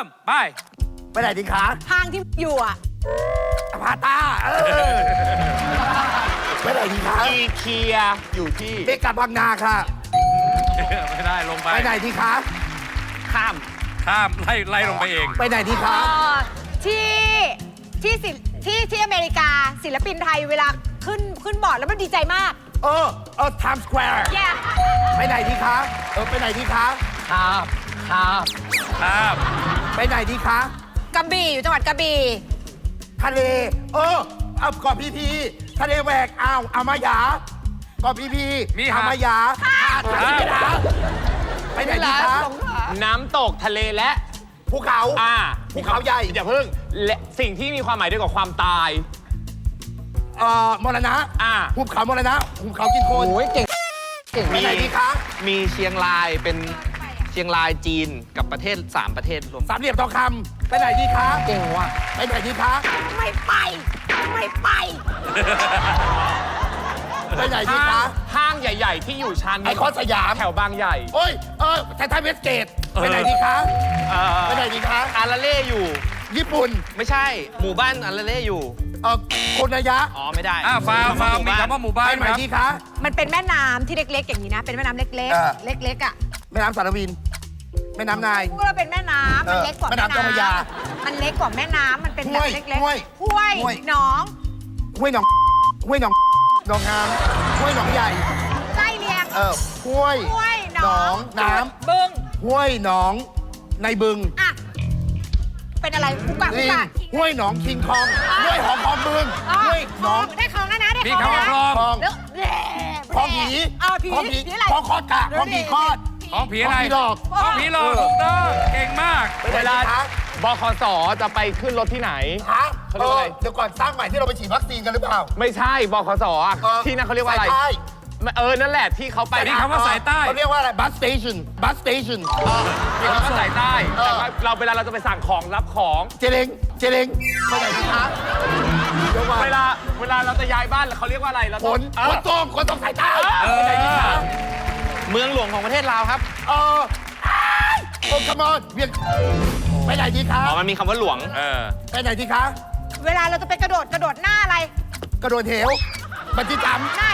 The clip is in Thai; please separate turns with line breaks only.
มไปไหนดีคะ
ห้างที่อยู่อ่ะ
พาตาไปไหนดีคะ
อีเคียอยู่ที่
เมกาบางนาค่ะ
ไม่ได้ลงไป
ไปไหนดีคะ
ข้าม
ข้ามไล่ลงไปเอง
ไปไหนดีคะ
ที่อเมริกาศิลปินไทยเวลาขึ้นบอร์ดแล้วมันดีใจมาก
Times Square
แย่
ไปไหนดีคะไปไหนดีคะ
ข้าม
ไปไหนดีคะ
กระบี่อยู่จังหวัดกระบี่
ทะเลเอาเกาะพีพีทะเลแหวกอ่าวมายาเกาะพีพี
มี
อ่าวมายาไปไหนดีคะ
น้ำตกทะเลและ
ภูเขาภูเขาใหญ่
อย่าเพิ่งและสิ่งที่มีความหมายด้วยกับความตาย
มรณะภูเขามรณะภูเขากินโคลน
โอ้ยเก่ง
ไปไหนดีคะ
มีเชียงรายเป็นเชียงรายจีนกับประเทศ3ประเทศรวม
สามเหลี่ยมทองคำไปไหนดีคะ
เก่งว่ะ
ไปไหนดีคะ
ไม่ไป
ไปไหนดีคะ
ห้างใหญ่ ๆ ที่อยู่ชั้น
ไอคอนสยาม
แถวบางใหญ่
โอ้ยไททันเวสเกตไปไหนดีคะไปไหนดีคะ
อาราเล่อยู่
ญี่ปุ่น
ไม่ใช่หมู่บ้านอาราเล่อยู่
โคนายะ
อ๋อไม่ได้
ฟาวมีคำว่าหมู่บ้า
ไป
น
ไหน
ครับ
ดีคะ
มันเป็นแม่น้ำที่เล็กๆอย่างนี้นะ เป็นแม่น้ำเล็ก
เออ
ๆ เล็กๆอ่ะ
แม่น้ำสารวินแม่น้ำนาย
พูดว่าเป็นแม่น้ำมันเล็กกว่า
แม่
แม่
น้ำเจ้าพระยา
น้ำมันเล็กกว่าแม่น้ำมันเป็นแบบเล็ก
ห้วย
ๆห้วย
ห้วย
หนอง
ห้วยหนองหนองงามห้วยหนองใหญ่
ไล่เลียง
ห้วย
ห้วยหน
หน
อ
อง งน้
บึง
ำห้วยหนองในบึง
อ่ะเป็นอะไรกูกะกู
ลิง
กะ
ห้วยหนองคิงคองห้วยหอมคองบึงห้วยหนอง
ได้คลองแล้วนะได้
มี
คลอง
คำว่า
แล้ว
คลอง
คลอง
แล้วแหล่
คลองผี
ผี
คลองผี
ผีอะไร
คลองคอดกะคลองผีคอด
ของผีอะไร
ของผีหลอก
ของผีหลอกถูกต้องเก่งมาก
ไปไหน
เวลา
ดีคะ
บคสจะไปขึ้นรถที่ไหน
ฮะ
เขาเรียกว่าอะไร
เดี๋ยวก่อนสร้างใหม่ที่เราไปฉีดวัคซีนกันหรือเปล่า
ไม่ใช่บคสที่นั่นเขาเรียกว่าอะไร
สใต้
นั่นแหละที่เขาไป
มีคำว่าสายใต้
เขาเรียกว่าอะไรบัสสเตชัน
มีคำว่าสายใต้แต่ว่าเวลาเราจะไปสั่งของรับของ
เจเลงไปไหนดีคะเดี๋ยวก่อน
เวลาเราจะย้ายบ้านเขาเรียกว่าอะไรเรา
ข
ต้อง
นส่งสายใต้ไปไหนดีคะ
เมืองหลวงของประเทศลาวครับ
คมอนเวียงไปไหนดีคะ
อ๋อมันมีคำว่าหลวง
ไปไหนดีคะ
เวลาเราจะไปกระโดดหน้าอะไร
กระโดดเหวบันจี้จัมป์
หน้า